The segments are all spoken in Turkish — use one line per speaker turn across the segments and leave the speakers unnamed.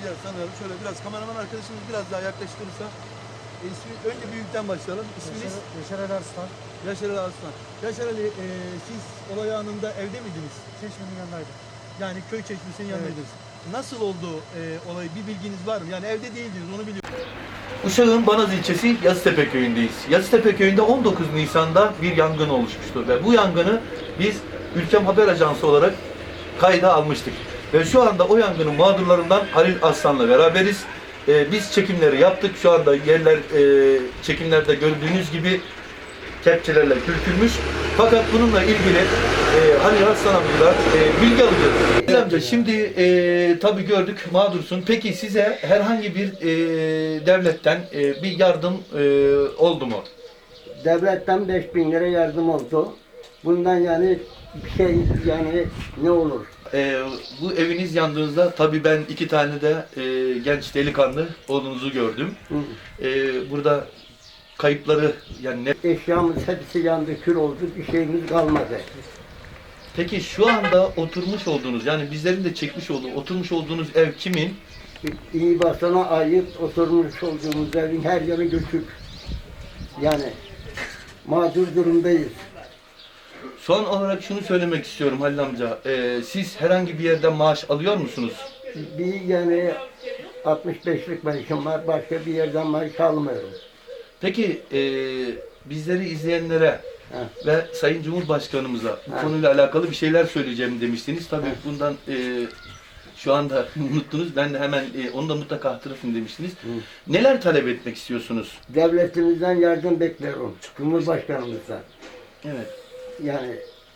bir yer sanıyorum. Şöyle biraz kameraman arkadaşımız biraz daha yaklaştırırsa. Önce büyükten başlayalım. İsminiz?
Yaşar Ali Arslan.
Yaşar Ali Arslan. Yaşar Ali, siz olay anında evde miydiniz?
Çeşmenin yanındaydım.
Yani köy çeşmesinin yanındaydınız. Nasıl oldu olay? Bir bilginiz var mı? Yani evde değildiniz, onu biliyorum.
Uşak'ın Banaz ilçesi Yazıtepe köyündeyiz. Yazıtepe köyünde 19 Nisan'da bir yangın oluşmuştu ve bu yangını biz Ülkem Haber Ajansı olarak kayda almıştık. Ve şu anda o yangının mağdurlarından Halil Aslan'la beraberiz. Biz çekimleri yaptık. Şu anda yerler çekimlerde gördüğünüz gibi kepçelerle kürkülmüş. Fakat bununla ilgili Halil Aslan amcadan bilgi alacağız. Halil amca şimdi tabii gördük mağdursun. Peki size herhangi bir devletten bir yardım oldu mu?
Devletten 5.000 lira yardım oldu. Bundan yani bir şey yani ne olur?
Bu eviniz yandığınızda tabii ben iki tane de genç delikanlı oğlunuzu gördüm. Burada kayıpları yani ne?
Eşyamız hepsi yandı, kül oldu, bir şeyimiz kalmadı.
Peki şu anda oturmuş olduğunuz yani bizlerin de çekmiş olduğu oturmuş olduğunuz ev kimin?
İyi basana ait oturmuş olduğumuz evin her yanı göçük. Yani mağdur durumdayız.
Son olarak şunu söylemek istiyorum Halil amca. Siz herhangi bir yerden maaş alıyor musunuz?
Bir yani 65'lik maaşım var, başka bir yerden maaş almıyorum.
Peki bizleri izleyenlere ve Sayın Cumhurbaşkanımıza bu konuyla alakalı bir şeyler söyleyeceğim demiştiniz. Tabii bundan şu anda unuttunuz. Ben de hemen onu da mutlaka hatırlatın demiştiniz. Neler talep etmek istiyorsunuz?
Devletimizden yardım bekliyorum, Cumhurbaşkanımızdan.
Evet.
Yani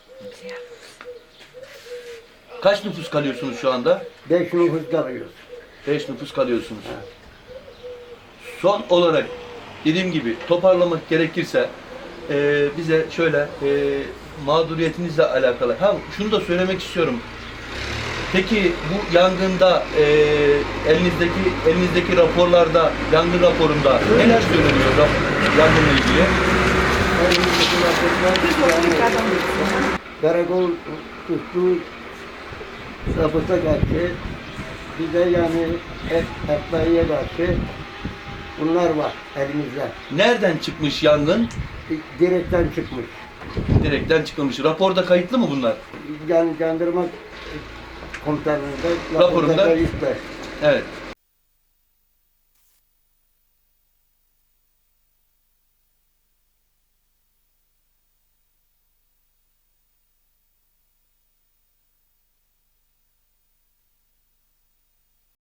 Kaç nüfus kalıyorsunuz şu anda?
5 nüfus kalıyoruz.
5 nüfus kalıyorsunuz. Son olarak dediğim gibi toparlamak gerekirse bize şöyle mağduriyetinizle alakalı. Şunu da söylemek istiyorum. Peki bu yangında elinizdeki raporlarda, yangın raporunda neler söyleniyor yangınla ilgili?
Karakol tuttu zabıta karşı, bize yani etbaiye karşı bunlar var elimizde.
Nereden çıkmış yangın?
Direkten çıkmış.
Direkten çıkılmış. Raporda kayıtlı mı bunlar?
Yani jandarma komutanlığında
Raporunda.
kayıtlı.
Evet.